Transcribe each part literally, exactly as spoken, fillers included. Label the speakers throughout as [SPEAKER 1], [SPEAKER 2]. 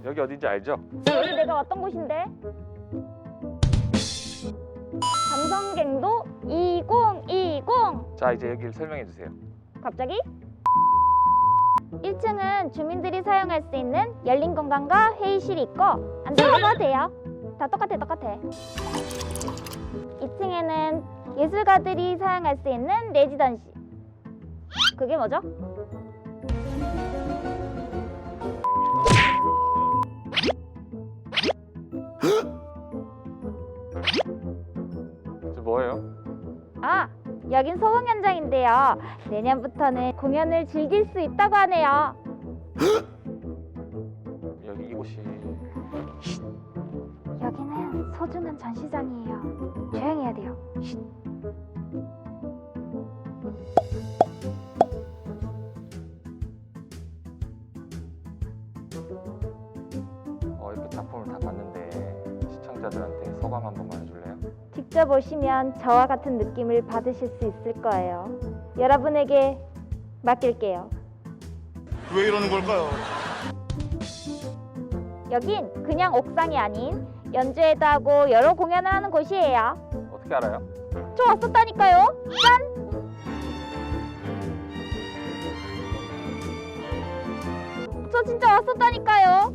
[SPEAKER 1] 여기 어딘지 알죠?
[SPEAKER 2] 여기 내가 왔던 곳인데. 감성갱도 이천이십.
[SPEAKER 1] 자, 이제 여기를 설명해 주세요.
[SPEAKER 2] 갑자기? 일 층은 주민들이 사용할 수 있는 열린 공간과 회의실이 있고 안 들어가도 돼요. 다 똑같아 똑같아. 이 층에는 예술가들이 사용할 수 있는 레지던시. 그게 뭐죠?
[SPEAKER 1] 저 뭐예요?
[SPEAKER 2] 아, 여긴 소공 현장인데요. 내년부터는 공연을 즐길 수 있다고 하네요.
[SPEAKER 1] 여기 이곳이
[SPEAKER 2] 여기는 소중한 전시장이에요. 조용히 해야 돼요. 쉿.
[SPEAKER 1] 어, 이렇게 작품을 다 봤는데 시청자들한테 소감 한 번만 해줄래요?
[SPEAKER 2] 직접 오시면 저와 같은 느낌을 받으실 수 있을 거예요. 여러분에게 맡길게요.
[SPEAKER 3] 왜 이러는 걸까요?
[SPEAKER 2] 여긴 그냥 옥상이 아닌 연주회도 하고 여러 공연을 하는 곳이에요.
[SPEAKER 1] 어떻게 알아요?
[SPEAKER 2] 저 왔었다니까요. 짠! 저 진짜 왔었다니까요.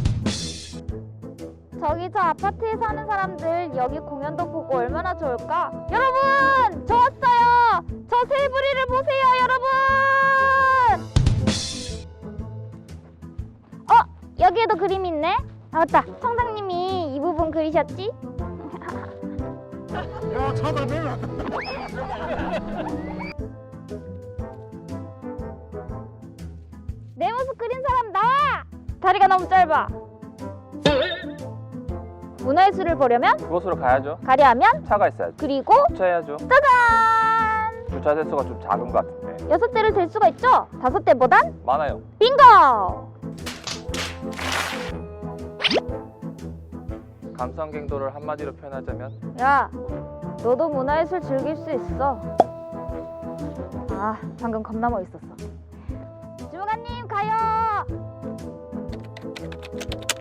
[SPEAKER 2] 저기 저 아파트에 사는 사람들 여기 공연도 보고 얼마나 좋을까? 여러분! 저 왔어요! 저 새부리를 보세요, 여러분! 어? 여기에도 그림이 있네? 아 맞다, 청장님이 이 부분 그리셨지?
[SPEAKER 3] 야, 잡아내!
[SPEAKER 2] 내 모습 그린 사람 나와! 다리가 너무 짧아. 문화예술을 보려면
[SPEAKER 1] 그곳으로 가야죠.
[SPEAKER 2] 가려 하면
[SPEAKER 1] 차가 있어야죠.
[SPEAKER 2] 그리고
[SPEAKER 1] 주차해야죠.
[SPEAKER 2] 짜잔!
[SPEAKER 1] 주차 대수가 좀 작은 것 같은데.
[SPEAKER 2] 여섯 대를 댈 수가 있죠? 다섯 대보단
[SPEAKER 1] 많아요.
[SPEAKER 2] 빙고!
[SPEAKER 1] 감성갱도를 한마디로 표현하자면
[SPEAKER 2] 야, 너도 문화예술 즐길 수 있어. 아, 방금 겁나 멋있었어. 주무관님 가요!